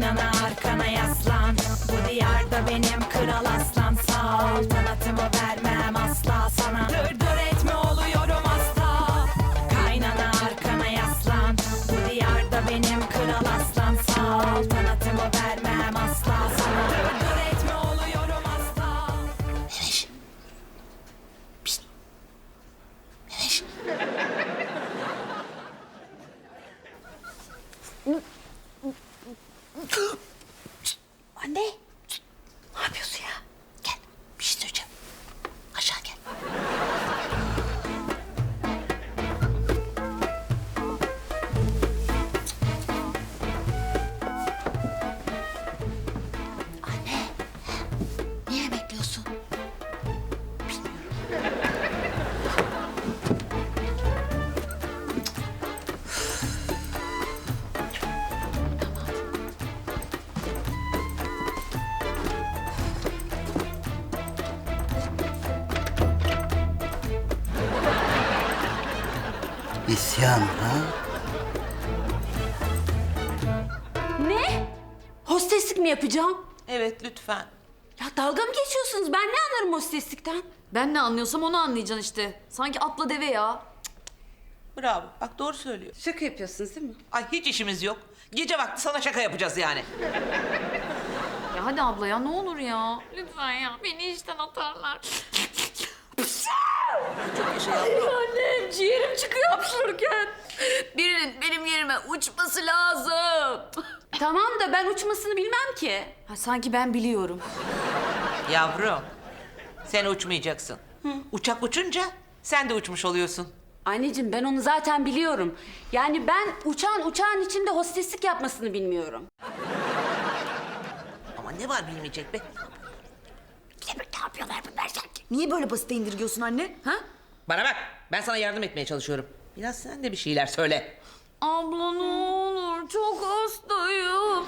Kaynana arkana yaslan. Bu diyarda benim kral aslan. Saltanatımı vermem asla sana. Dır dır etme oluyorum asla. Kaynana arkana yaslan. Bu diyarda benim kral aslan. Saltanatımı vermem asla sana. Dır dır etme oluyorum asla. Meveş. Pişt. Meveş. Şşt, anne. Şşt, ne yapıyorsun ya? Gel, bir şey söyleyeceğim. Aşağı gel. Anne, niye bekliyorsun? İsyan ha? Ne? Hosteslik mi yapacağım? Evet, lütfen. Ya dalga mı geçiyorsunuz? Ben ne anlarım hosteslikten? Ben ne anlıyorsam onu anlayacaksın işte. Sanki atla deve ya. Bravo. Bak doğru söylüyor. Şaka yapıyorsunuz değil mi? Ay hiç işimiz yok. Gece vakti sana şaka yapacağız yani. Ya hadi abla ya ne olur ya. Lütfen ya beni işten atarlar. Çok yaşa yavrum. Annem ciğerim çıkıyor hapşırırken. Birinin benim yerime uçması lazım. Tamam da ben uçmasını bilmem ki. Ha, sanki ben biliyorum. Yavrum, sen uçmayacaksın. Uçak uçunca sen de uçmuş oluyorsun. Anneciğim ben onu zaten biliyorum. Yani ben uçağın içinde hosteslik yapmasını bilmiyorum. Ama ne var bilmeyecek be? Ne yapıyorlar bunlar sanki? Niye böyle basite indirgiyorsun anne? Ha? Bana bak, ben sana yardım etmeye çalışıyorum. Biraz sen de bir şeyler söyle. Abla ne olur çok hastayım.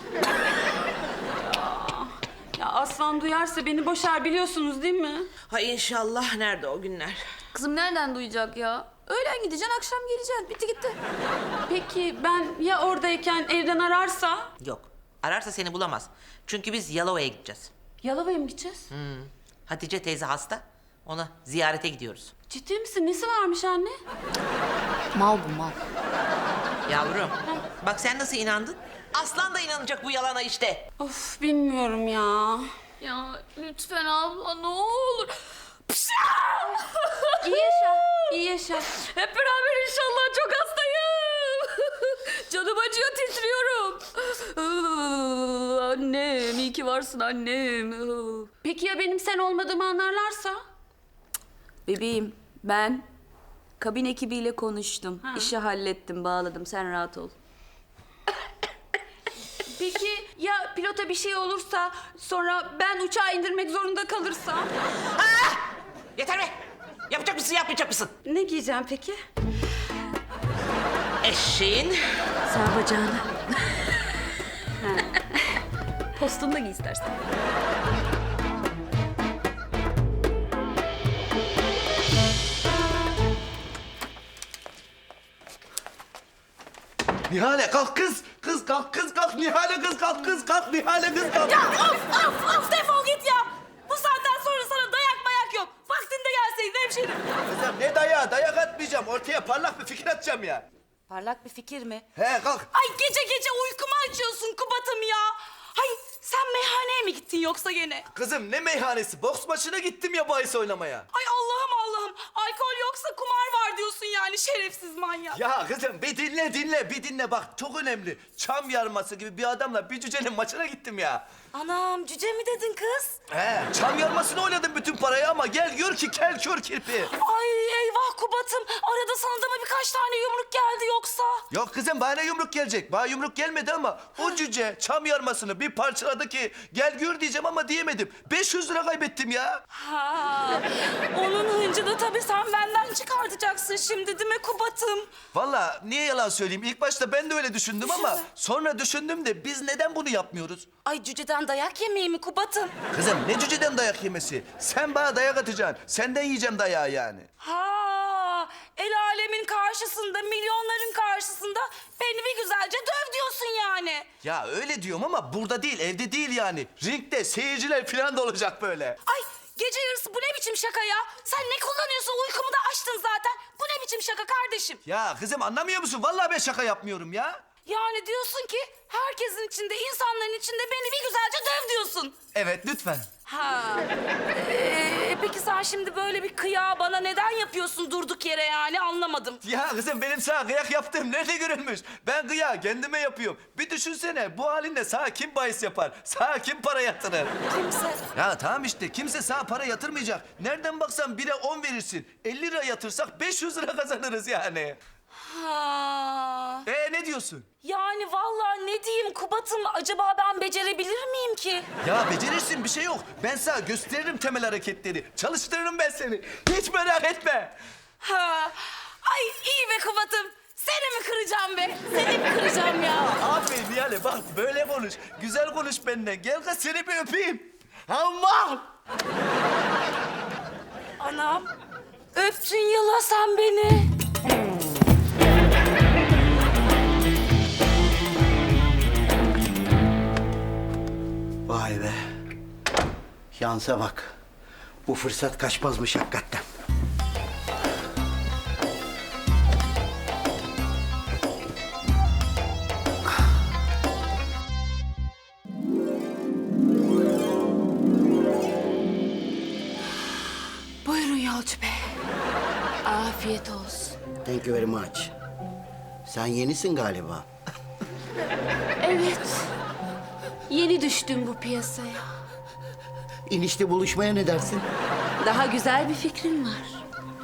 Ya Aslan duyarsa beni boşar biliyorsunuz değil mi? Ha inşallah, nerede o günler? Kızım nereden duyacak ya? Öğlen gideceksin akşam geleceksin. Bitti gitti. Peki ben ya oradayken evden ararsa? Yok, ararsa seni bulamaz. Çünkü biz Yalova'ya gideceğiz. Yalova'ya mı gideceğiz? Hatice teyze hasta, ona ziyarete gidiyoruz. Ciddi misin? Nesi varmış anne? Mal bu mal. Yavrum, bak sen nasıl inandın? Aslan da inanacak bu yalana işte. Of bilmiyorum ya. Ya lütfen abla ne olur. İyi yaşa, iyi yaşa. Hep beraber inşallah çok hastayım. Canım acıyor titriyorum. Annem iyi ki varsın annem. Peki ya benim sen olmadığımı anlarlarsa? Bebeğim ben kabin ekibiyle konuştum. İşi hallettim bağladım sen rahat ol. Peki ya pilota bir şey olursa sonra ben uçağı indirmek zorunda kalırsam? Yeter be! Yapacak mısın, yapmayacak mısın? Ne giyeceğim peki? Eşeğin Sağ bacağını. Postunu da giy istersen. Nihale kalk kız. Kız kalk kız kalk. Nihale kız kalk kız kalk. Nihale kız kalk. Of defol git ya. Bu saatten sonra sana dayak mayak yok. Vaktinde gelseydin hemşerim. Kızım ne dayağı? Dayak atmayacağım. Ortaya parlak bir fikir atacağım ya. Parlak bir fikir mi? He kalk. Ay gece gece uykumu açıyorsun Kubat'ım ya. Hay sen meyhaneye mi gittin yoksa gene? Kızım ne meyhanesi? Boks maçına gittim ya bahis oynamaya. Ay Allah'ım. Alkol yoksa kumar var diyorsun yani şerefsiz manyak. Ya kızım bir dinle bak çok önemli. Çam yarması gibi bir adamla bir cücenin maçına gittim ya. Anam cüce mi dedin kız? He çam yarmasını oynadım bütün parayı ama gel gör ki kel kör kirpi. Ay eyvah Kubat'ım. Arada sana da mı birkaç tane yumruk geldi yoksa? Yok kızım bana yumruk gelecek. Bana yumruk gelmedi ama o cüce çam yarmasını bir parçaladı ki gel gör diyeceğim ama diyemedim. 500 lira kaybettim ya. Ha, onun hıncını tabii sen benden çıkartacaksın şimdi değil mi Kubat'ım? Vallahi niye yalan söyleyeyim? İlk başta ben de öyle düşündüm ama sonra düşündüm de biz neden bunu yapmıyoruz? Ay cüceden dayak yemeği mi Kubat'ım? Kızım ne cüceden dayak yemesi? Sen bana dayak atacaksın. Senden yiyeceğim dayağı yani. Ha, el alemin karşı karşısında, milyonların karşısında beni bir güzelce döv diyorsun yani. Ya öyle diyorum ama burada değil, evde değil yani. Ringde seyirciler falan da olacak böyle. Ay gece yarısı bu ne biçim şaka ya? Sen ne kullanıyorsun? Uykumu da açtın zaten. Bu ne biçim şaka kardeşim? Ya kızım anlamıyor musun? Vallahi ben şaka yapmıyorum ya. Yani diyorsun ki herkesin içinde, insanların içinde beni bir güzelce döv diyorsun. Evet lütfen. Ha. Peki sen şimdi böyle bir kıyağı bana neden yapıyorsun durduk yere yani anlamadım. Ya kızım benim sana kıyak yaptığım nerede görülmüş? Ben kıyağı kendime yapıyorum. Bir düşünsene bu halinde sana kim bahis yapar? Sana kim para yatırır? Kimse. Ya tamam işte kimse sana para yatırmayacak. Nereden baksan 1'e 10 verirsin. 50 lira yatırsak 500 lira kazanırız yani. Ha. Ne diyorsun? Yani vallahi ne diyeyim Kubat'ım acaba ben becerebilir miyim ki? Ya becerirsin bir şey yok. Ben sana gösteririm temel hareketleri. Çalıştırırım ben seni. Hiç merak etme. Ha. Ay iyi be Kubat'ım. Seni mi kıracağım be? Seni mi kıracağım ya? Aferin Nihale bak böyle konuş. Güzel konuş benden. Gel kız seni bir öpeyim. Aman! Anam. Öptün yıla sen beni. Vay be. Şansa bak. Bu fırsat kaçmazmış hakikaten. Buyurun yolcu bey. Afiyet olsun. Thank you very much. Sen yenisin galiba. Evet. Yeni düştüm bu piyasaya. İnişte buluşmaya ne dersin? Daha güzel bir fikrim var.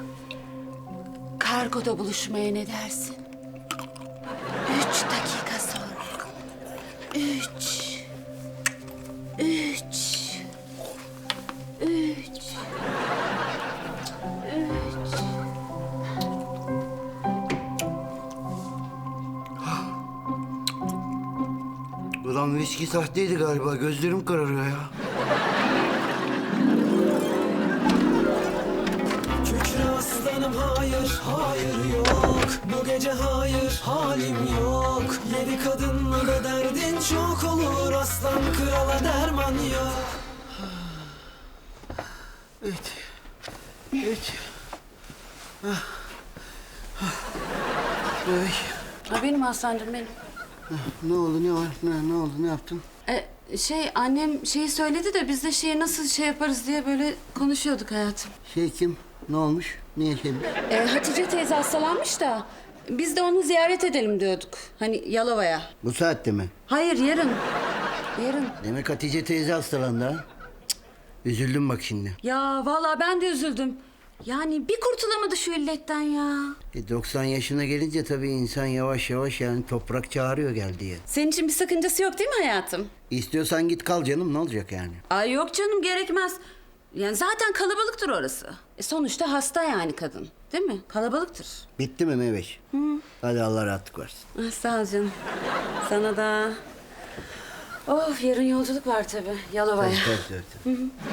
Kargoda buluşmaya ne dersin? 3 dakika sonra. 3. Ulan viski sahteydi galiba. Gözlerim kararıyor ya. Kükre aslanım hayır, hayır yok. Bu gece hayır, halim yok. 7 kadınla da derdin çok olur. Aslan krala derman yok. Evet. Evet. Ay. Ha, benim Hasan'cığım benim. Ne oldu ne var? Ne oldu ne yaptın? Annem şeyi söyledi de biz de şeye nasıl şey yaparız diye böyle konuşuyorduk hayatım. Şey kim? Ne olmuş? Niye şey? Hatice teyze hastalanmış da biz de onu ziyaret edelim diyorduk. Hani Yalova'ya. Bu saatte mi? Hayır yarın. Yarın. Demek Hatice teyze hastalandı ha? Cık, üzüldüm bak şimdi. Ya vallahi ben de üzüldüm. Yani bir kurtulamadı şu illetten ya. 90 yaşına gelince tabii insan yavaş yavaş yani toprak çağırıyor gel diye. Senin için bir sakıncası yok değil mi hayatım? İstiyorsan git kal canım ne olacak yani? Ay yok canım gerekmez. Yani zaten kalabalıktır orası. Sonuçta hasta yani kadın. Değil mi? Kalabalıktır. Bitti mi Meveş? Hadi Allah rahatlık versin. Sağ ol canım. Sana da. Of yarın yolculuk var tabii Yalova'ya. Tabii.